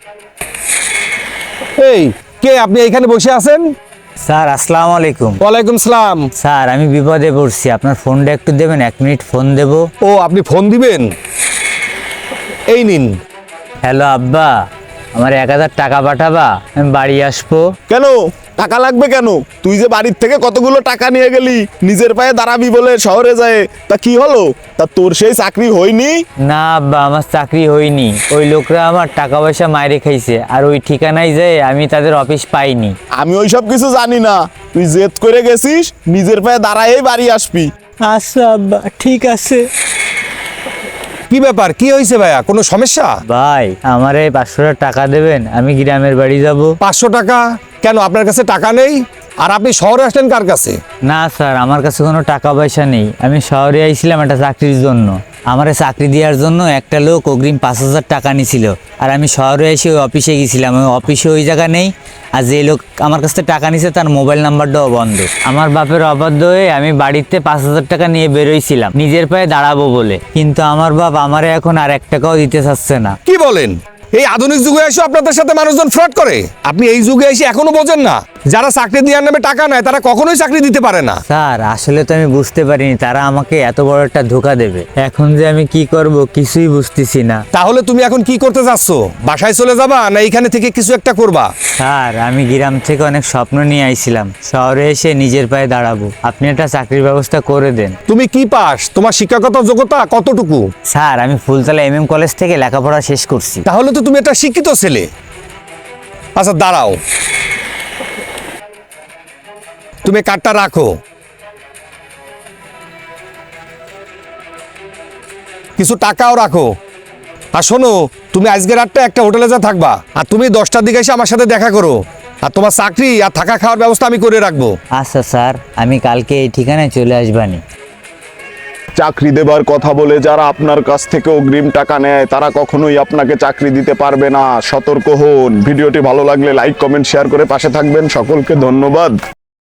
এই কে আপনি এখানে বসে আছেন? স্যার আসসালামু আলাইকুম। ওয়ালাইকুম সালাম। স্যার আমি বিপদে পড়ছি, আপনার ফোনটা একটু দেবেন, 1 মিনিট ফোন দেব। ও আপনি ফোন দিবেন, এই নিন। হ্যালো আব্বা, আমার 1000 টাকা পাঠাবা, আমি বাড়ি আসবো। কেন টাকা লাগবে কেন? তুই যে বাড়ির থেকে কতগুলো টাকা নিয়ে গেলি নিজের পায়ে দাঁড়াবি বলে শহরে যায়, তা কি হলো? তা তোর সেই চাকরি হয়নি? না আব্বা, আমার চাকরি হয়নি। ওই লোকরা আমার টাকা পয়সা মাইরে খাইছে, আর ওই ঠিকানায় যেয়ে আমি তাদের অফিস পাইনি। আমি ওই সব কিছু জানি না, তুই জেদ করে গেছিস, নিজের পায়ে দাঁড়ায়েই বাড়ি আসবি। আচ্ছা আব্বা, ঠিক আছে। কি ব্যাপার, কি হয়েছে ভাইয়া, কোনো সমস্যা? ভাই আমার এই 500 টাকা দেবেন, আমি গ্রামের বাড়ি যাব। 500 টাকা? কেন আপনার কাছে টাকা নেই? আর আপনি শহরে আসলেন কার কাছে? না স্যার, আমার কাছে কোনো টাকা পয়সা নেই। আমি শহরে আইছিলাম একটা চাকরির জন্য। আমার চাকরি দেওয়ার জন্য একটা লোক অগ্রিম 5000 টাকা নিছিল, আর আমি শহরে এসে ওই অফিসে গেছিলাম। ওই অফিসে ওই জায়গা নেই, আর যে লোক আমার কাছ থেকে টাকা নিছে তার মোবাইল নাম্বারটাও বন্ধ। আমার বাপের অবাধ্য হয়ে আমি বাড়িতে 5000 টাকা নিয়ে বেরোইছিলাম নিজের পায়ে দাঁড়াবো বলে, কিন্তু আমার বাপ আমারে এখন আর 1 টাকাও দিতে চাচ্ছে না। কি বলেন? এই আধুনিক যুগে এসে আপনাদের সাথে মানুষজন ফ্রড করে? আপনি এই যুগে এসে এখনো বোঝেন না, যারা চাকরি দেওয়ার নামে টাকা নেয় তারা কখনোই চাকরি দিতে পারে না। স্যার আসলে তো আমি বুঝতে পারিনি তারা আমাকে এত বড় একটা ধোকা দেবে। এখন যে আমি কি করব কিছুই বুঝতেছি না। তাহলে তুমি এখন কি করতে চাচ্ছ? বাসায় চলে যাবা না এইখানে থেকে কিছু একটা করবা? স্যার আমি গ্রাম থেকে অনেক স্বপ্ন নিয়ে আইছিলাম, শহরে এসে নিজের পায়ে দাঁড়াবো। আপনি একটা চাকরির ব্যবস্থা করে দেন। তুমি কি পাস? তোমার শিক্ষাগত যোগ্যতা কতটুকু? স্যার আমি ফুলতলা MM কলেজ থেকে লেখাপড়া শেষ করছি। তাহলে তো তুমি একটা শিক্ষিত ছেলে। আচ্ছা দাঁড়াও, তুমি কার্ডটা রাখো, কিছু টাকাও রাখো। আর শোনো, তুমি আজকে রাতটা একটা হোটেলে যা থাকবা, আর তুমি 10টার দিকে এসে আমার সাথে দেখা করো। আর তোমার চাকরি আর থাকা খাওয়ার ব্যবস্থা আমি করে রাখবো। আচ্ছা স্যার, আমি কালকে এই ঠিকানায় চলে আসবানি। চাকরি দেবার কথা বলে যারা আপনার কাছ থেকে অগ্রিম টাকা নেয় তারা কখনোই আপনাকে চাকরি দিতে পারবে না। সতর্ক হন। ভিডিওটি ভালো লাগলে লাইক কমেন্ট শেয়ার করে পাশে থাকবেন। সকলকে ধন্যবাদ।